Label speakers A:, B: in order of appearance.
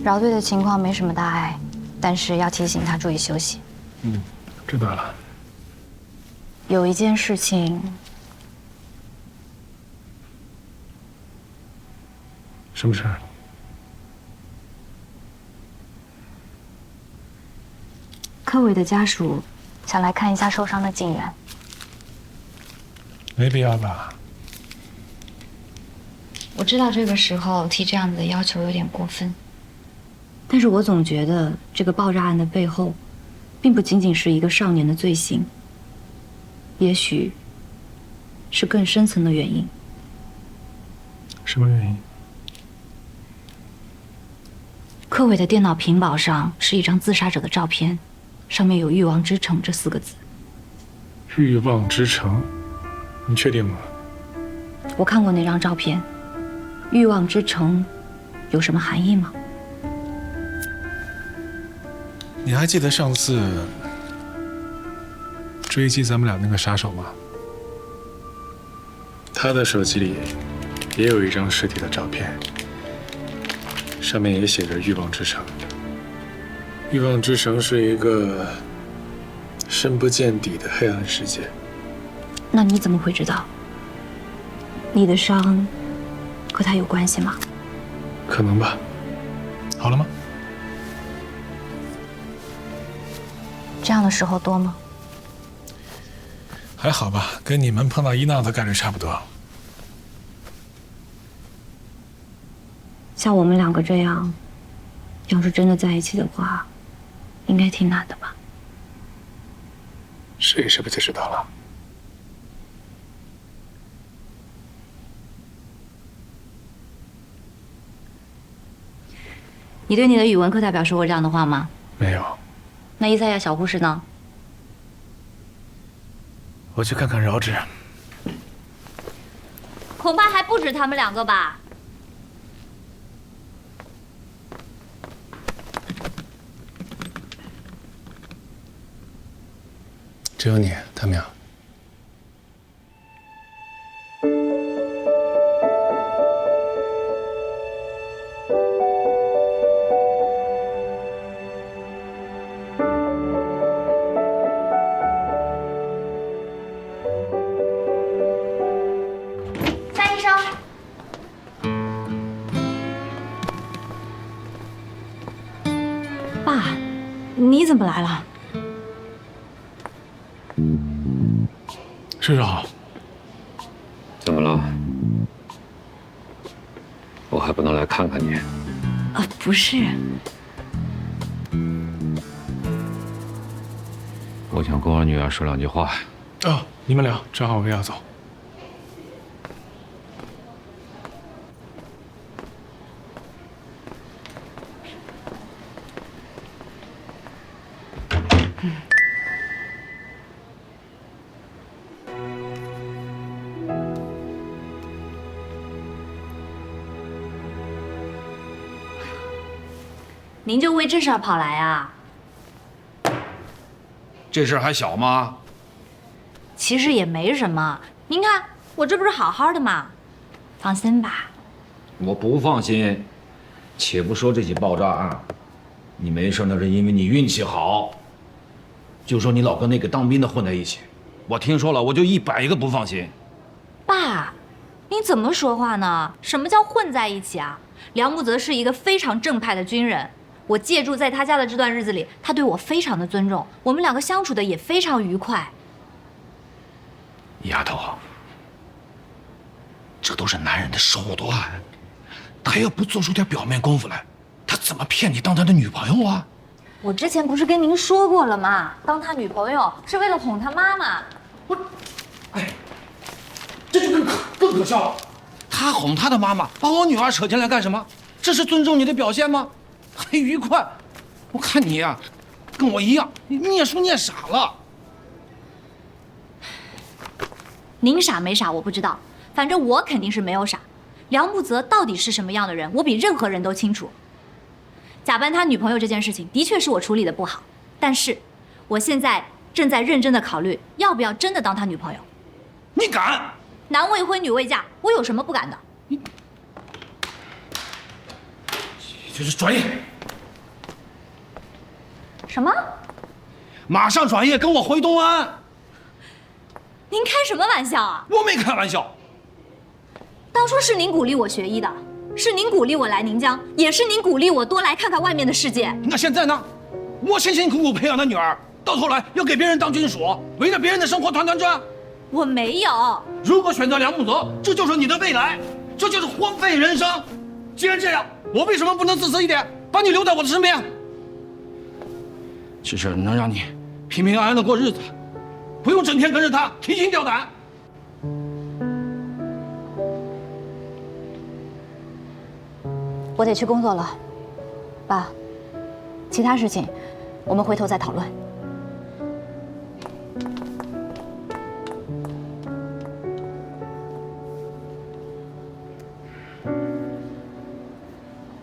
A: 饶队的情况没什么大碍，但是要提醒他注意休息。
B: 知道了。
A: 有一件事情，
B: 什么事儿？
A: 柯伟的家属想来看一下受伤的警员。
B: 没必要吧？
A: 我知道这个时候提这样子的要求有点过分，但是我总觉得这个爆炸案的背后，并不仅仅是一个少年的罪行，也许是更深层的原因。
B: 什么原因？
A: 柯伟的电脑屏保上是一张自杀者的照片，上面有“欲望之城”这4个字。
B: 欲望之城，你确定吗？
A: 我看过那张照片，欲望之城有什么含义吗？
B: 你还记得上次追击咱们俩那个杀手吗？他的手机里也有一张尸体的照片，上面也写着“欲望之城”。欲望之城是一个深不见底的黑暗世界。
A: 那你怎么会知道？你的伤和他有关系吗？
B: 可能吧。好了吗？
A: 这样的时候多吗？
B: 还好吧，跟你们碰到医闹的概率差不多。
A: 像我们2个这样，要是真的在一起的话，应该挺难的吧？
B: 试一试不就知道了？
A: 你对你的语文课代表说过这样的话吗？
B: 没有。
A: 那伊赛亚小护士呢？
B: 我去看看饶志。
C: 恐怕还不止他们2个吧。
B: 只有你，他们俩。
C: 三医生，
A: 爸，你怎么来了？
B: 师长，
D: 怎么了？我还不能来看看你？
A: 不是，
D: 我想跟我女儿说2句话。
B: 哦，你们聊，正好我也要走。
C: 您就为这事儿跑来啊？
D: 这事儿还小吗？
C: 其实也没什么，您看我这不是好好的吗？放心吧。
D: 我不放心。且不说这起爆炸案，你没事那是因为你运气好。就说你老跟那个当兵的混在一起，我听说了，我就100个不放心。
C: 爸，您怎么说话呢？什么叫混在一起啊？梁木泽是一个非常正派的军人。我借住在他家的这段日子里，他对我非常的尊重，我们2个相处的也非常愉快。
D: 丫头，这都是男人的手段，他要不做出点表面功夫来，他怎么骗你当他的女朋友啊？
C: 我之前不是跟您说过了吗？当他女朋友是为了哄他妈妈。
D: 这就更可笑了。他哄他的妈妈，把我女儿扯进来干什么？这是尊重你的表现吗？还愉快？我看你呀，跟我一样，念书念傻了。
C: 您傻没傻我不知道，反正我肯定是没有傻。梁木泽到底是什么样的人，我比任何人都清楚。假扮他女朋友这件事情，的确是我处理的不好，但是我现在正在认真的考虑，要不要真的当他女朋友。
D: 你敢？
C: 男未婚女未嫁，我有什么不敢的？
D: 就是专业，
C: 什么？
D: 马上转业跟我回东安。
C: 您开什么玩笑啊？
D: 我没开玩笑。
C: 当初是您鼓励我学医的，是您鼓励我来宁江，也是您鼓励我多来看看外面的世界。
D: 那现在呢？我辛辛苦苦培养的女儿，到头来要给别人当军属，围着别人的生活团团转。
C: 我没有。
D: 如果选择梁木泽，这就是你的未来，这就是荒废人生。既然这样，我为什么不能自私一点，把你留在我的身边？只是能让你平平安安的过日子，不用整天跟着他提心吊胆。
A: 我得去工作了，爸，其他事情我们回头再讨论。